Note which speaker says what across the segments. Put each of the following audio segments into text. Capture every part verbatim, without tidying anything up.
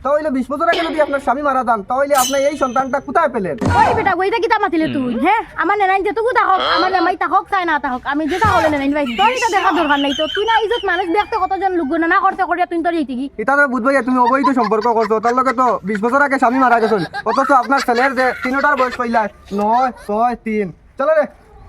Speaker 1: তাহলে বিশ বছর আগে যদি আপনার স্বামী মারা যান তাহলে আপনি এই সন্তানটা কোথায় পেলেন?
Speaker 2: ওই বেটা ওইটা কিতা মাতিলে তুই হ্যাঁ আমার নেনাই যে তুই থাকক আমার জামাই থাকক চাই না থাকক আমি যেটা হলে নেনাই ভাই তোর এটা দেখা দরকার নাই তো তুই না ইজ্জত মানুষ দেখতে কতজন লোক না করতে করিয়া তুই তোর এইটি কি
Speaker 1: এটা তো বুঝবো যে তুমি অবৈধ সম্পর্ক করছো, তার লগে তো বিশ বছর আগে স্বামী মারা গেছিল, অথচ আপনার ছেলের যে তিনটার বয়স কইলা নয় ছয় তিন। চলো রে।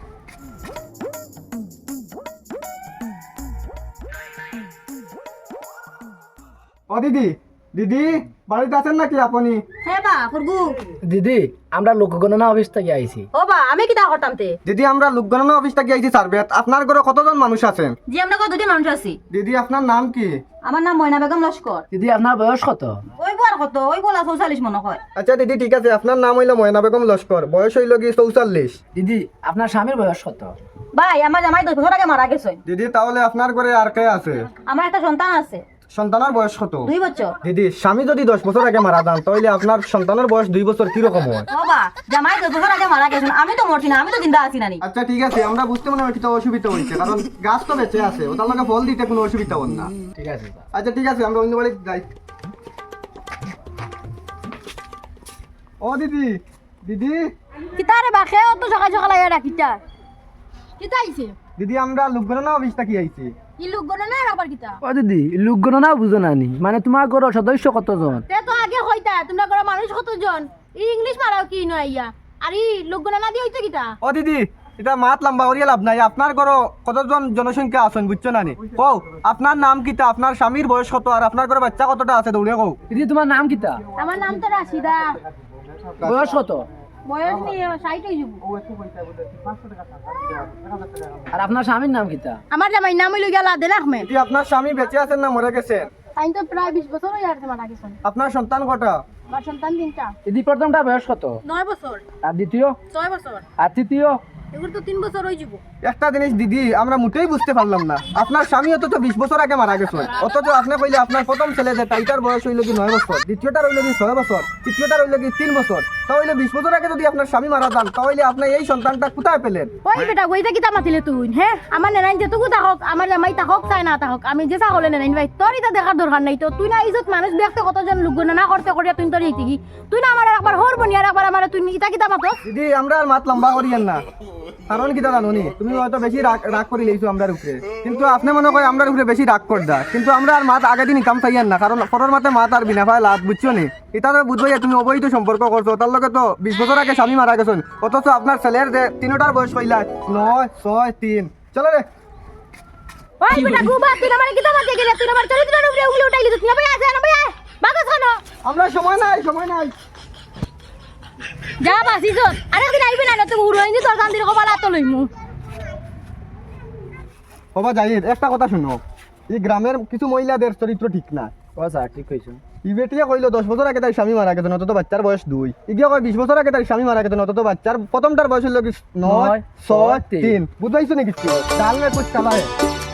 Speaker 1: ও দিদি, দিদি বাড়িতে আছেন নাকি আপনি?
Speaker 2: হ্যাঁ বা করবু
Speaker 3: দিদি আমরা লোকগণনা অফিস থেকে আইছি।
Speaker 2: ও বা আমি কিতা করতাম তে
Speaker 1: দিদি আমরা লোকগণনা অফিস থেকে আইছি সার্ভেত। আপনার ঘরে কতজন মানুষ আছেন?
Speaker 2: জি আমরা কত দুটি মানুষ আছি।
Speaker 1: দিদি আপনার নাম কি?
Speaker 2: আমার নাম ময়না বেগম লস্কর।
Speaker 3: দিদি আপনার বয়স কত?
Speaker 2: ওই বল কত ওই বলা চৌচল্লিশ মনে হয়।
Speaker 1: আচ্ছা দিদি ঠিক আছে, আপনার নাম হইলো ময়না বেগম লস্কর, বয়স হইল কি চৌচল্লিশ।
Speaker 3: দিদি আপনার স্বামীর বয়স কত?
Speaker 2: ভাই আমার জামাই দশ বছর আগে মারা গেছে।
Speaker 1: দিদি তাহলে আপনার ঘরে আর কে আছে?
Speaker 2: আমার একটা সন্তান আছে
Speaker 1: সন্তানের বয়স কত?
Speaker 2: দুই বছর।
Speaker 1: দিদি স্বামী যদি দশ বছর আগে মারা যান তাহলে আপনার সন্তানের বয়স দুই বছর কিরকম হয়?
Speaker 2: ও বা জামাই দশ বছর আগে মারা গেছে, আমি তো মরছি না, আমি তো জিন্দা আছি নানি।
Speaker 1: আচ্ছা ঠিক আছে, আমরা বুঝতে মনে হয় কিছু অসুবিধা হয়েছে, কারণ গাছ তো বেঁচে আছে, ওটার লগে ফল দিতে কোনো অসুবিধা হন না।
Speaker 3: ঠিক আছে।
Speaker 1: আচ্ছা ঠিক আছে, আমরা অন্য বাড়িতে যাই। ও দিদি, দিদি
Speaker 2: কিতা রে বা খেয়ে তো সকাল সকাল আইয়া রাখিতা কিতা আইছে
Speaker 1: দিদি আমরা লোকগণনা অফিস থেকে আইছি।
Speaker 2: ই লোক গনে না আবার কিতা
Speaker 3: ও দিদি লোকগণনা বুঝো না নি, মানে তোমার ঘরের সদস্য কতজন?
Speaker 2: তে তো আগে হইতা তোমরা করে মানুষ কতজন ই ইংলিশ মারাও কি নইয়া আর ই লোক গনে না দি হইতো কিতা।
Speaker 1: ও দিদি এটা মাত লম্বা করিয়া লাভ নাই, আপনার ঘর কতজন জনসংখ্যা আছেন বুঝছো না নি? কও আপনার নাম কিতা, আপনার স্বামীর বয়স কত, আর আপনার ঘরে বাচ্চা কতটা আছে দৌড়ে কও।
Speaker 3: দিদি তোমার নাম কিতা?
Speaker 2: আমার নাম তো রাশিদা,
Speaker 3: বয়স কত?
Speaker 2: বয়স নিয়ে ষাট হয়ে যাব।
Speaker 3: আর আপনার স্বামীর নাম কিতা?
Speaker 2: আমার জামাই নাম হইল গিয়া লাদেন আহমেদ।
Speaker 1: দিদি আপনার স্বামী বেঁচে আছেন না মরে গেছেন?
Speaker 2: তাই তো প্রায় বিশ বছর হয়ে আসছে মারা গেছেন।
Speaker 1: আপনার সন্তান কটা?
Speaker 2: আমার সন্তান তিনটা।
Speaker 3: দিদি প্রথমটা বয়স কত?
Speaker 2: নয় বছর,
Speaker 3: আর দ্বিতীয়?
Speaker 2: ছয় বছর,
Speaker 3: আর তৃতীয়?
Speaker 2: এগুলো তো তিন বছর হয়ে যাব।
Speaker 1: একটা জিনিস দিদি আমরা মোটেই বুঝতে পারলাম না, আপনার স্বামী অথচ বিশ বছর আগে মারা গেছে, অথচ আপনি কইলে আপনার প্রথম ছেলে যে তাইটার বয়স হইল কি নয় বছর, দ্বিতীয়টার হইল কি ছয় বছর, তৃতীয়টার হইল কি তিন বছর, তাহলে বিশ বছর আগে যদি আপনার স্বামী মারা যান তাহলে আপনি এই সন্তানটা কোথায় পেলেন?
Speaker 2: ওই বেটা ওইটা কিতা মাতিলে তুই হ্যাঁ আমার নেনাই যে তুই থাকক আমার জামাই থাকক চাই না থাকক আমি যে চা হলে নেনাই ভাই তোর এটা দেখার দরকার নাই তো তুই না ইজ্জত মানুষ দেখতে কতজন লোক না করতে করিয়া তুই তোর এইটি কি তুই না আমার একবার হর বনি আর একবার আমার তুই ইটা কিতা মাতো।
Speaker 1: দিদি আমরা আর মাত লম্বা করিয়েন না, কারণ কিতা জানো নি তুমি হয়তো বেশি রাগ রাগ করে লইছো আমরার উপরে, কিন্তু আপনি মনে করে আমরার উপরে বেশি রাগ কর দা, কিন্তু আমরা আর মাত আগে দিন কাম চাইয়েন না, কারণ পরের মাতে মাত আর বিনা ভাই লাভ বুঝছো নি? এটা তো বুঝবো যে তুমি অবৈধ সম্পর্ক করছো, তার লগে তো বিশ বছর আগে স্বামী মারা গেছেন, অথচ আপনার ছেলের যে তিনটার বয়স কইলা নয় ছয় তিন। চলো রে।
Speaker 2: ওই বেটা গুবা তুই আমার কিতা মাতে গেলে তুই আমার চরিত্রের উপরে উঙ্গলি উঠাইলি তুই না ভাই আছে না ভাই বাগা খানো
Speaker 1: আমরা সময় নাই, সময় নাই।
Speaker 2: যা বাসিস আরেকদিন আইবি না তুই উড়াই নি তোর কান্দির কপাল আত লইমু।
Speaker 1: বাবা জাহিদ একটা কথা শুনো, এই গ্রামের কিছু মহিলাদের চরিত্র ঠিক না।
Speaker 3: ও স্যার ঠিক কইছো।
Speaker 1: ই বেটিয়া কইলো দশ বছর আগে তার স্বামী মারা গেছে, অত বাচ্চার বয়স দুই। ইগিয়া কয় বিশ বছর আগে তার স্বামী মারা গেছে, অত বাচ্চার প্রথমটার বয়স হলো কি নয় ছয় তিন। বুঝাইছো নাকি? ডাল মে কুছ কালা है।